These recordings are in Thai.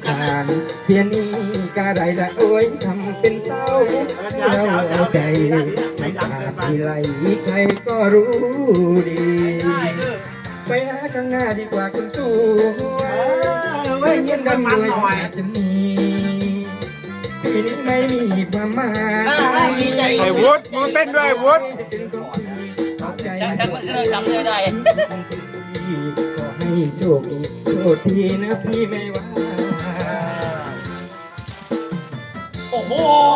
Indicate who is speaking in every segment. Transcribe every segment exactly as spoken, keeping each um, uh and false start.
Speaker 1: การเทียนนี้กะไรละโอ้ยทำเป็นเศร้าเราเอาใจไม่ขาดที่ไหลใครก็รู้ดีไปหาข้างหน้าดีกว่าคุณสู้ไม่เย็นกันด้วยจะมีปีนี้ไม่มีความหมาย
Speaker 2: ไอ้วุฒิมึงเต้นด้วยวุฒิ
Speaker 3: จังจังมันเริ่มจำเลยได้
Speaker 1: ขอให้โชคดีโชคดีนะพี่ไม่ว่า
Speaker 3: โอ้โห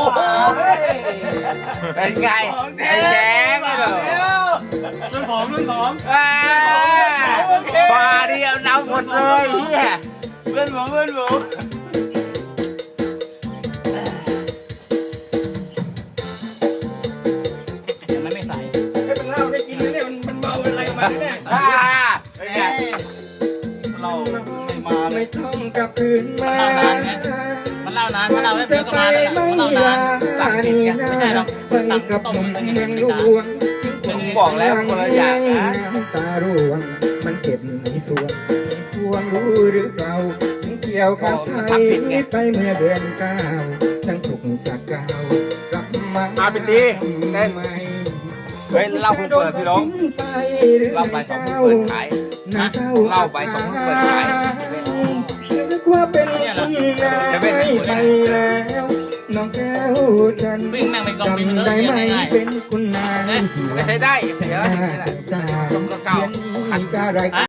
Speaker 2: เป็นไงไอ้แดงไอ้เด้อ
Speaker 3: รุ่นผมรุ่นผม
Speaker 2: ปลาเดียวน้ำหมดเลยเฮีย
Speaker 3: เพื่อนผมเพื่อนผมมันไม่ใส่
Speaker 1: ไม่เป็นเหล้าได้กินเนี่ยมันมันเมาอะไรมาเนี่ย
Speaker 3: เราไม่มา
Speaker 1: ไม่ต้องกลับคืนมา
Speaker 3: มันเล่านานมันเล่านานมันเล่าไม่เพียงก็มาแล้วมันเล่านานสั่งกินกันไม่ใช่หรอกสั่งต้มมันยังไม่ได้
Speaker 2: มึงบอกแล้วคนละอย่างนะ
Speaker 1: ตาร่วงมันเก็บในส่วนพวงรู้หรือเปล่าถึงเกี่ยวกับใครไปเมื่อเดือนเก้าทั้งสุกจากเก้ากลับมา
Speaker 2: อาไปตีเต้นเฮ้ยเล่าเพิ่งเปิดพี่น้องเล่าไปสองเพิ่งเปิดขายเล่าไปสองเพิ่งเปิดขาย
Speaker 1: นึกว่าเป็นคุณนายไปแล้วน้องแก้วฉัน
Speaker 3: วิ่งนั่งไปกองบินมันเถอะยังไง
Speaker 1: เป็นคุณนาย
Speaker 2: ไม่ใช่ได้เดี๋ยวต้องกระเก่าขัน